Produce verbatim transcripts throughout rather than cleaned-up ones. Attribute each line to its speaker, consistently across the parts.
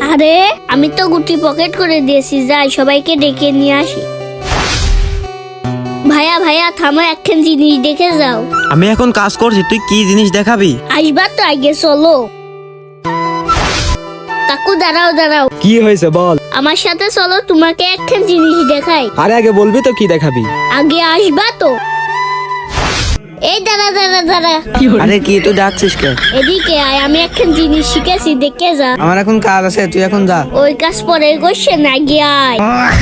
Speaker 1: আরে আমি তো গুটি পকেট করে দিয়েছি, যাই সবাইকে ডেকে নিয়ে আসি। ভাইয়া ভাইয়া থামো, একখান জিনিস দেখে যাও।
Speaker 2: আমি এখন কাজ করছি, তুই কি জিনিস দেখাবি?
Speaker 1: আসবা তো, আগে চলো। কাকু দাঁড়াও দাঁড়াও,
Speaker 3: কি হয়েছে বল।
Speaker 1: আমার সাথে চলো, তোমাকে একখান জিনিস দেখাই।
Speaker 3: আরে আগে বলবি তো কি দেখাবি।
Speaker 1: আগে আসবা তো। এই দাঁড়া দাঁড়া দাঁড়া,
Speaker 2: আরে কি তুই ডাকছিস কে?
Speaker 1: এদিকে আয়, আমি একখান জিনিস শিখেছি, দেখে যা।
Speaker 2: আমার এখন কাজ আছে, তুই এখন যা।
Speaker 1: ওই কাজ পরে করছে না, গিয়ে আয়।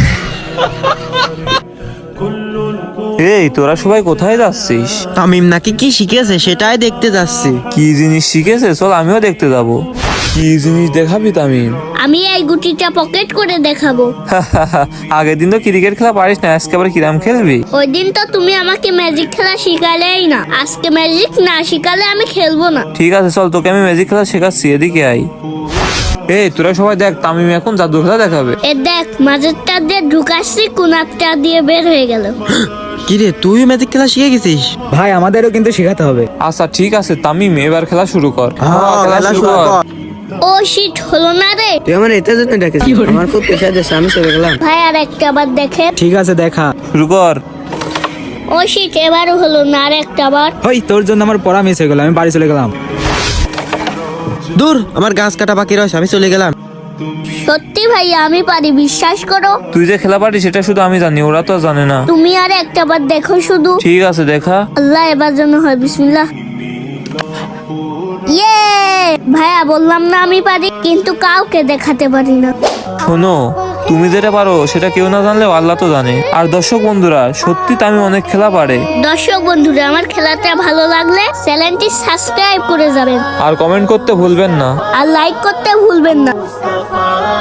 Speaker 4: এই তোরা সবাই কোথায় যাচ্ছিস?
Speaker 2: তামিম নাকি কি শিখেছে সেটাই দেখতে যাচ্ছি।
Speaker 4: কি জিনিস শিখেছে চল আমিও দেখতে যাব। কি জিনিস দেখাবি তামিম?
Speaker 1: আমি এই গুটিটা পকেট করে দেখাবো।
Speaker 4: আগের দিন তো ক্রিকেট খেলা পারিস না, আজকে আবার কিরাম খেলবি?
Speaker 1: ওই দিন তো তুমি আমাকে ম্যাজিক খেলা শিখালেই না, আজকে ম্যাজিক না শিখালে আমি খেলবো না।
Speaker 4: ঠিক আছে চল, তোকে আমি ম্যাজিক খেলা শেখাচ্ছি, এদিকে আই। এই তোরা সবাই দেখ, তামিম এখন জাদু খেলা দেখাবে।
Speaker 1: এ দেখ, মাঝেরটা দিয়ে ঢুকাচ্ছি, কোনারটা দিয়ে বের হয়ে গেল।
Speaker 2: কি রে, তুই ম্যাজিক খেলা শিখে গেছিস?
Speaker 3: ভাই আমাদেরও কিন্তু শেখাতে হবে।
Speaker 4: আচ্ছা ঠিক আছে তামিম, এবার খেলা শুরু কর।
Speaker 2: হ্যাঁ, খেলা শুরু কর।
Speaker 1: ও শিট, হলো না রে।
Speaker 2: তুই আমার এতে জন্য ডেকেছিস, আমার খুব পেশা দিয়েছে, আমি চলে গেলাম।
Speaker 1: ভাই আর একটা আবার দেখে।
Speaker 3: ঠিক আছে দেখা।
Speaker 4: শুরু কর।
Speaker 1: ও শিট, এবারও হলো না, আর একটা বার।
Speaker 3: ওই তোর জন্য আমার পড়া মিস হয়ে গেল, আমি বাড়ি চলে গেলাম।
Speaker 2: দূর, আমার গাছ কাটা বাকি রয়েছে, আমি চলে গেলাম।
Speaker 1: সত্যি ভাইয়া আমি পারি, বিশ্বাস করো।
Speaker 4: তুই যে খেলা পারিস সেটা শুধু আমি জানি, ওরা তো জানে না।
Speaker 1: তুমি আর একটা বার দেখো শুধু।
Speaker 4: ঠিক আছে দেখা।
Speaker 1: আল্লাহ, এবার যেন হয়, বিসমিল্লাহ। ইয়ে, ভাইয়া বললাম না আমি পারি, কিন্তু কাউকে দেখাতে পারি না।
Speaker 4: শোনো, তুমি যেটা পারো সেটা কেউ না জানলেও আল্লাহ তো জানে। আর দর্শক বন্ধুরা, সত্যি তামিম অনেক খেলা পারে।
Speaker 1: দর্শক বন্ধুরা, আমার খেলাটা ভালো লাগলে চ্যানেলটি সাবস্ক্রাইব করে যাবেন
Speaker 4: আর কমেন্ট করতে ভুলবেন না।
Speaker 1: আর লাইক করতে ভুলবেন না।